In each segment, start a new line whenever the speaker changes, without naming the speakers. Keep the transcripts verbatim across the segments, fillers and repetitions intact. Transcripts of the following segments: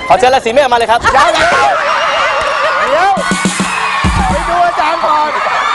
ขอเชิญราศีเมษมาเลยครับ
เดี๋ยวเดี๋ยวไปดูอาจารย์ก่อน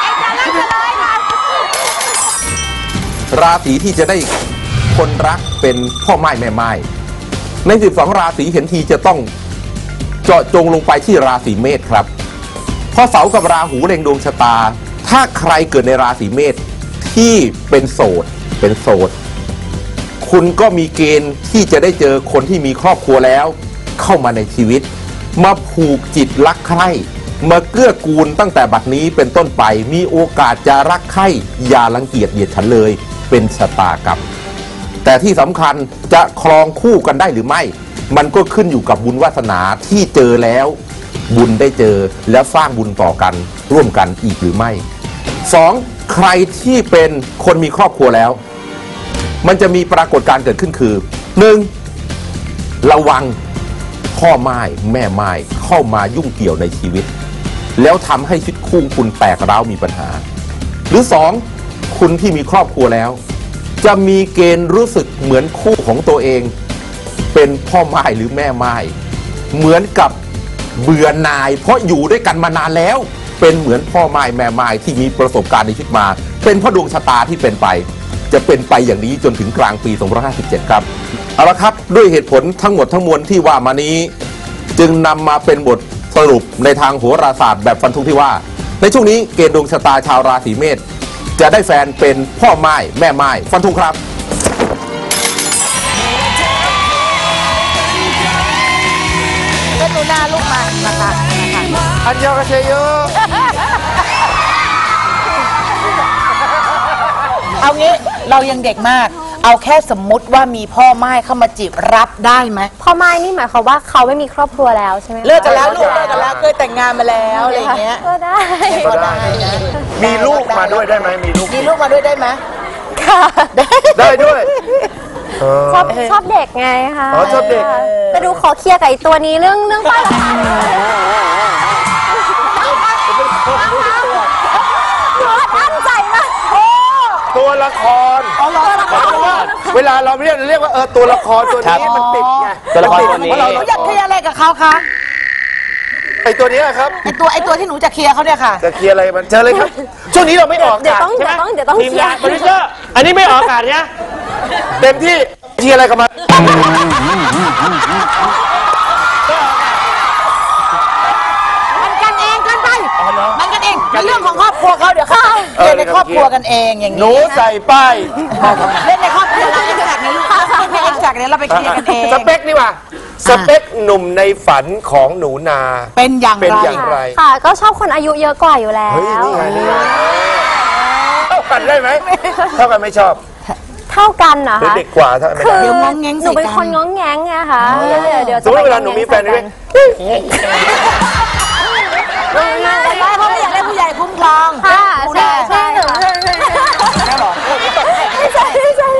ราศีที่จะได้คนรักเป็นพ่อไม้แม่ไม้ในสิบสองราศีเห็นทีจะต้องเจาะจงลงไปที่ราศีเมษครับเพราะเสากับราหูเล็งดวงชะตาถ้าใครเกิดในราศีเมษที่เป็นโสดเป็นโสดคุณก็มีเกณฑ์ที่จะได้เจอคนที่มีครอบครัวแล้วเข้ามาในชีวิตมาผูกจิตรักใคร่มาเกื้อกูลตั้งแต่บัดนี้เป็นต้นไปมีโอกาสจะรักใคร่อย่ารังเกียจเหยียดฉันเลยเป็นชะตากรรมแต่ที่สำคัญจะครองคู่กันได้หรือไม่มันก็ขึ้นอยู่กับบุญวาสนาที่เจอแล้วบุญได้เจอแล้วสร้างบุญต่อกันร่วมกันอีกหรือไม่สองใครที่เป็นคนมีครอบครัวแล้วมันจะมีปรากฏการณ์เกิดขึ้นคือหนึ่งระวังพ่อไม้แม่ไม้เข้ามายุ่งเกี่ยวในชีวิตแล้วทำให้ชีวิตคู่คุณแตกร้าวมีปัญหาหรือสองคุณที่มีครอบครัวแล้วจะมีเกณฑ์รู้สึกเหมือนคู่ของตัวเองเป็นพ่อไม้หรือแม่ไม้เหมือนกับเบื่อหน่ายเพราะอยู่ด้วยกันมานานแล้วเป็นเหมือนพ่อไม้แม่ไม้ที่มีประสบการณ์ในชีวิตมาเป็นเพราะดวงชะตาที่เป็นไปจะเป็นไปอย่างนี้จนถึงกลางปีสองพันห้าร้อยห้าสิบเจ็ดครับเอาละครับด้วยเหตุผลทั้งหมดทั้งมวลที่ว่ามานี้จึงนำมาเป็นบทสรุปในทางโหราศาสตร์แบบฟันธงที่ว่าในช่วงนี้เกณฑ์ดวงชะตาชาวราศีเมษจะได้แฟนเป็นพ่อไม้แม่ไม้ฟันธงครับ
ก็ดูหน้าลูกมานะคะ
อันยองกระเชยโย
เอางี้เรายังเด็กมากเอาแค่สมมุติว่ามีพ่อไม้เข้ามาจีบรับได้ไหม
พ่อไม้นี่หมายความว่าเขาไม่มีครอบครัวแล้วใช่ไหม
เลิกกันแล้วลูกเลิกกันแล้วเคยแต่งงานมาแล้วอะไรอย่างเงี้ย
ก็ได้
ก็ได้
มีลูกมาด้วยได้ไหมมีลูก
มีลูกมาด้วยได้ไหม
ค่ะ
ได้ด้วย
ชอบชอบเด็กไงคะ
อ๋อชอบเด็ก
แต่ดูขอเคลียร์กับไอ้ตัวนี้เรื่องเรื่องป้ายราคาตั้งใจมาก
ตัวละครเวลาเราเรียกเรียกว่าเออตัวละครตัวนี้มันติดไง
ตัวละครตัวนี้
หนูอยากเคลียร์อะไรกับเขาคะ
ไอตัวนี้ครับ
ไอตัวไอตัวที่หนูจะเคลียร์เขาเนี่ยค่ะ
จะเคลียร์อะไรมันเชิญเลยครับช่วงนี้เราไม่ออก
เดี๋ยวต้องเดี๋ยวต้องเดี๋ยวต้อง
ทีมงานโปรดิวเซอร์อันนี้ไม่ออกอากาศเนี่ยเต็มที่เคลียร์อะไรกับมัน
มันกันเองกันไปมันกันเองเรื่องของครอบครัวเขาเดี๋ยวเขาเล่นในครอบครัวกันเองอย่างนี้
หนูใส่ป้าย
เล่นในครอบครัวเราเอ็กซ์แจกในลูกค้าไม่เอ็กซ์แจกเนี่ยเราไปเคลียร์กันเอง
สเปคนี่ว่ะสเปคหนุ่มในฝันของหนูนา
เป็นอย่างไร
เป็นอย่างไร
ค่ะก็ชอบคนอายุเยอะกว่าอยู่แล้ว
เฮ้ยนี่ไงนี่เท่ากันได้ไหมเท่ากันไม่ชอบ
เท่ากันนะ
คะเด็กกว่าเท่าไม่ได้
เดี๋ยวงงแงง
หนูเป็นคนงงแงงไงคะเดี๋ยว
สมมติเวลาหนูมีแฟนด้วย
ไม่ได้เพราะไม่อยากได้ผู้ใหญ่คุ้มครอง
ค่ะใช่ใช่ใช่ใช่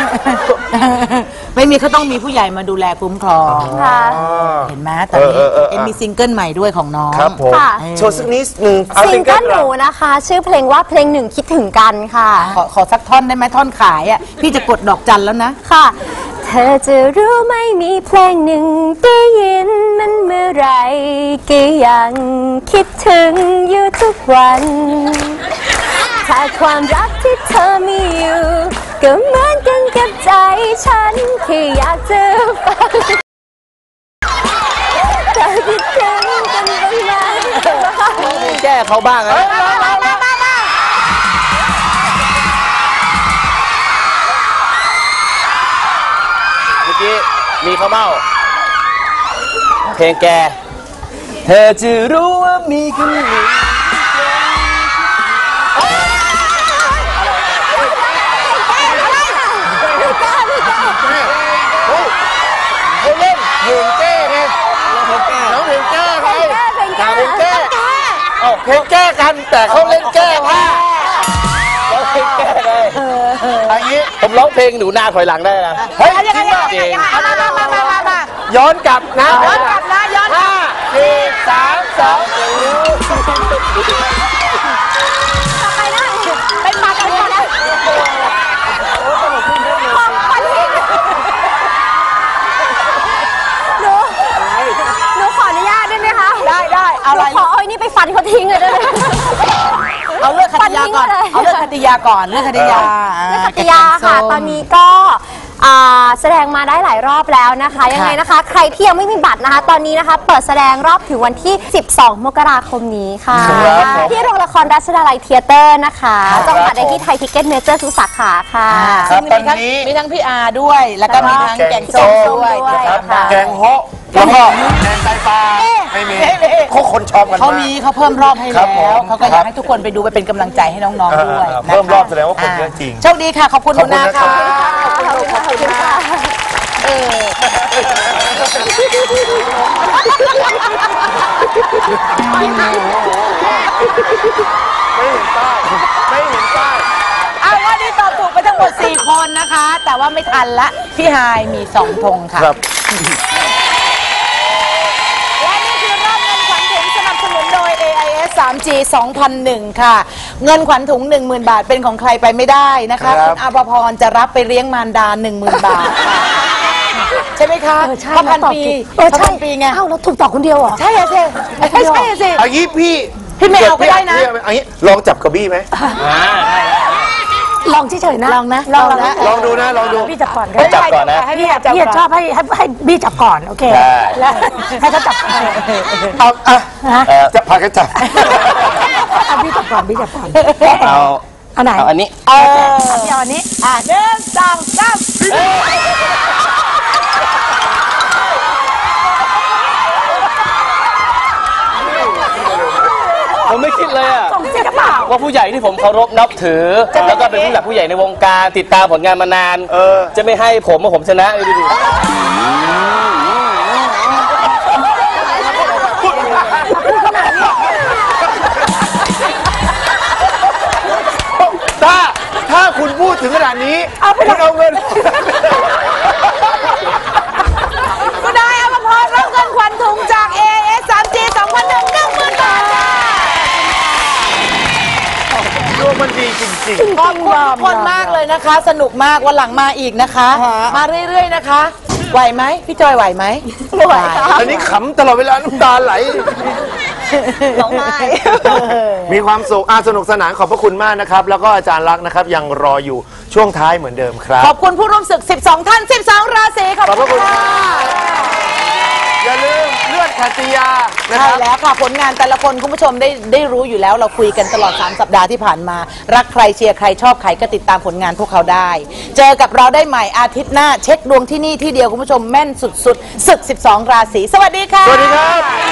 ไม่มีเขาต้องมีผู้ใหญ่มาดูแลคุ้มครองเห็นไหมตอนนี้เอ็มมีซิงเกิลใหม่ด้วยของน้อง
ครับผมโชว์สักนิดนึง
ซิงเกิลหนูนะคะชื่อเพลงว่าเพลงหนึ่งคิดถึงกันค่ะ
ขอขอสักท่อนได้ไหมท่อนขายอ่ะพี่จะกดดอกจันแล้วนะ
ค่ะเธอจะรู้ไม่มีเพลงหนึ่งได้ยินมันเมื่อไรก็ยังคิดถึงอยู่ทุกวันถ้าความรักที่เธอมีอยู่ก็เหมือนกันกับใจฉันที่อยากจะฟังเธอคิดถึงกันบ้างไหม
แก้เขาบ้างนะเมื่อกี้มีข้าวเม่าเพลงแกเธอจะรู้ว่ามีคนหนึ่ง
เขาเล่นเพลงแก้ไงน้องเพลงแก้ไงเพลงแก้เพลงแก้กันแต่เขาเล่นแก้ผ้า
ร้องเพลงแก้เลย
อันนี้
ผมร้องเพลงหนูนาถอยหลังได้นะ
เฮ้ยจริงป่ะย้อนกลับนะ
ย้อนกลับนะย้อน
ห้าสี่สามสอง
เป็นมาเป็นมาแล้วหนู
ไปฟันเขาทิ้งเลยได้ไหม
เอาเรื่องคติยาก่อนเอาเรื่องคติยาก่อนเรื่องคติยา
เรื่องคติยาค่ะตอนนี้ก็แสดงมาได้หลายรอบแล้วนะคะยังไงนะคะใครที่ยังไม่มีบัตรนะคะตอนนี้นะคะเปิดแสดงรอบถึงวันที่สิบสองมกราคมนี้ค่ะที่โรงละครรัชดาลัยเธียเตอร์นะคะจองบัตรได้ที่ไทยทิกเก็ตเมเจอร์ทุกสาขาค่ะ
ครับตอน
มีทั้ง
นี้
มีทั้งพี่อาด้วยแล้วก็มีทั้งแกงส้มด้วย
ครับ
ค่ะ
แกงโฮะแล้วก็แกงไตปลาไม่มีเขาคนชอบกัน
เขา
มาก
มีเขาเพิ่มรอบให้
ครั
แล้
บผม
วเขาก็อยากให้ทุกคนไปดูไปเป็นกำลังใจให้น้องๆด้วย
อ่า
นะคะ
เพิ่มรอบแสดงว่าคนเยอะจริง
โชคดีค่ะขอบคุณหนูนา
ขอบ
ค่ะ
คุณนะครับ
ขอบคุณค่ะขอบคุณค่ะ
เออ
ไม่เห็นป้ายไม่เห็นป้าย
เอาว่านี่ตอบถูกไปทั้งหมดสี่คนนะคะ แต่ว่าไม่ทันละพี่ฮายมีสองธงค่ะ
ครับ
และนี่คือรอบเงินขวัญถุงสนับสนุนโดย เอ ไอ เอส ทรี จี สองพันหนึ่ง ค่ะ เงินขวัญถุง หนึ่งหมื่น บาทเป็นของใครไปไม่ได้นะคะ
ครับ
คุณอาภพรจะรับไปเลี้ยงมารดา หนึ่งหมื่น บาทค่ะใช่ไหมคะ
เออใช่
พระพัน
ตอบ
ปี
ถูกเออ
พระ
ใช่
พันปีไง
เอ้าเราถูกต่อคนเดียวเหรอ
ใช่อะสิใช่ใช่อะสิ
เอางี้พี่
พี่ไม่เอาก็ได้นะ
พี่เอางี้ลองจับกระบี่ไหม
ลองเฉยๆนะ
ลองนะ
ลอง
ลองนะ
นะ
ลองดูนะลองดู
พี่จับก่อนก็
ให้
ได้
จับก่อนนะ
ให้พี่จับ
พี่
ก่อน
ชอบให้ให้ให้บี้จับก่อนโอเค
ใช่
แล้วให้เขาจับก่อน
เอาอ่ะ
ฮะ
เออ
จะพากันจับ
เอาบี้จับก่อนบี้จับก่อน
เอา
เอาไหน
เอาอันนี้
เออ
พี่เอาอันนี้
อ่ะหนึ่งสองสาม
ผมไม่คิดเลยอะ
ส่งจริงหรือเปล่า
ว่าผู้ใหญ่ที่ผมเคารพนับถือ แล้วก็เป็นผู้หลักผู้ใหญ่ในวงการติดตามผลงานมานาน
เออ
จะไม่ให้ผมว่าผมชนะเลยดูดิ
ถ้าถ้าคุณพูดถึงขนาดนี้คุณเอาเงิน
ก็ได้อภพรรับเงินขวัญถุงจาก เอ เอส ทรี จี สองพันหนึ่ง หนึ่งหมื่น บาทค่ะ
ดวงมันดีจริง
ขอบคุณทุกคนมากเลยนะคะ สนุกมากวันหลังมาอีกนะคะ มาเรื่อยๆนะคะ ไหวไหมพี่จอยไหวไหม
ไม่ไหวค่ะ
ๆอันนี้ขำตลอดเวลาน้ำตาไหล
ร้องไห้
มีความสุขอาสนุกสนานขอบพระคุณมากนะครับ แล้วก็อาจารย์รักษณ์นะครับยังรออยู่ช่วงท้ายเหมือนเดิมครับ
ขอบคุณผู้ร่วมศึก สิบสอง ท่าน สิบสอง ราศีขอบ
ขอบพ
คุ
ระคุณ
ณ
ครั
ค่ะ
บ อย่าลืมเลือดขัตติยานะค
ใช่
รับ
แล้วค่ะผลงานแต่ละคนคุณผู้ชมได้ได้รู้อยู่แล้วเราคุยกันตลอดสามสัปดาห์ที่ผ่านมา รักใครเชียร์ใครชอบใครก็ติดตามผลงานพวกเขาได้ เจอกับเราได้ใหม่อาทิตย์หน้าเช็คดวงที่นี่ที่เดียวคุณผู้ชมแม่นสุดๆศึก สิบสอง ราศีสวัสดีค่ะ
สวัสดีครับ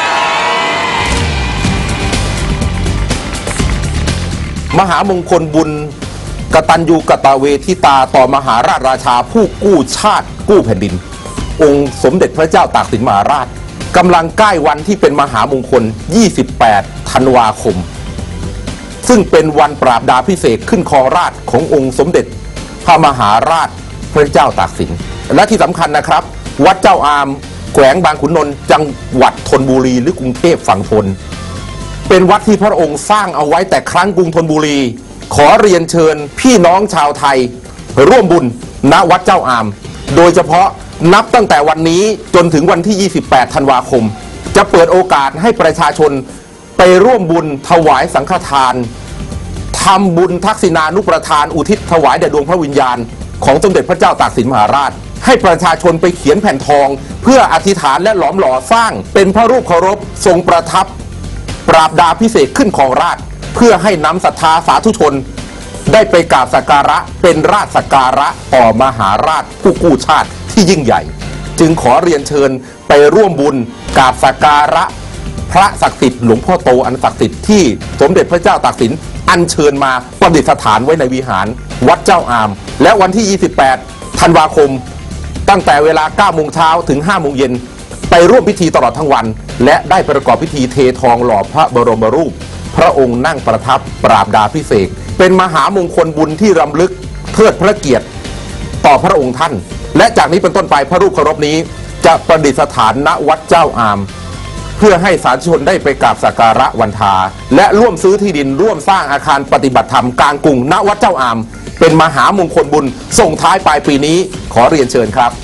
มหามงคลบุญกตัญญูกตเวทิตาต่อมหาราชราชาผู้กู้ชาติกู้แผ่นดิน องค์สมเด็จพระเจ้าตากสินมหาราชกำลังใกล้วันที่เป็นมหามงคล ยี่สิบแปด ธันวาคม ซึ่งเป็นวันปราบดาพิเศษกขึ้นครองราชย์ขององค์สมเด็จพระมหาราชพระเจ้าตากสิน และที่สำคัญนะครับ วัดเจ้าอามแขวงบางขุนนนท์จังหวัดธนบุรีหรือกรุงเทพฝั่งทน เป็นวัดที่พระองค์สร้างเอาไว้แต่ครั้งกรุงธนบุรี ขอเรียนเชิญพี่น้องชาวไทยร่วมบุญณวัดเจ้าอาม โดยเฉพาะนับตั้งแต่วันนี้จนถึงวันที่ ยี่สิบแปด ธันวาคม จะเปิดโอกาสให้ประชาชนไปร่วมบุญถวายสังฆทานทำบุญทักษิณานุประทานอุทิศถวายแด่ดวงพระวิญญาณของสมเด็จพระเจ้าตากสินมหาราช ให้ประชาชนไปเขียนแผ่นทอง เพื่ออธิษฐานและหลอมหล่อสร้างเป็นพระรูปเคารพทรงประทับ ปราบดาพิเศษกขึ้นของราชย์เพื่อให้นำศรัทธาสาธุชน ได้ไปกราบสักการะเป็นราชสักการะต่อมหาราชผู้กู้ชาติที่ยิ่งใหญ่ จึงขอเรียนเชิญไปร่วมบุญกราบสักการะพระศักดิ์สิทธิ์หลวงพ่อโตอันศักดิ์สิทธิ์ที่สมเด็จพระเจ้าตากสินอัญเชิญมาประดิษฐานไว้ในวิหารวัดเจ้าอาม และวันที่ ยี่สิบแปด ธันวาคม ตั้งแต่เวลา เก้าโมงเช้าถึง ห้าโมงเย็นไปร่วมพิธีตลอดทั้งวัน และได้ประกอบพิธีเททองหล่อพระบรมรูป พระองค์นั่งประทับปราบดาพิเศษกเป็นมหามงคลบุญที่รำลึกเทิดพระเกียรติต่อพระองค์ท่าน และจากนี้เป็นต้นไปพระรูปเคารพนี้จะประดิษฐานณวัดเจ้าอาม เพื่อให้สาธุชนได้ไปกราบสักการะวันทาและร่วมซื้อที่ดินร่วมสร้างอาคารปฏิบัติธรรมกลางกรุงณวัดเจ้าอาม เป็นมหามงคลบุญส่งท้ายปลายปีนี้ขอเรียนเชิญครับ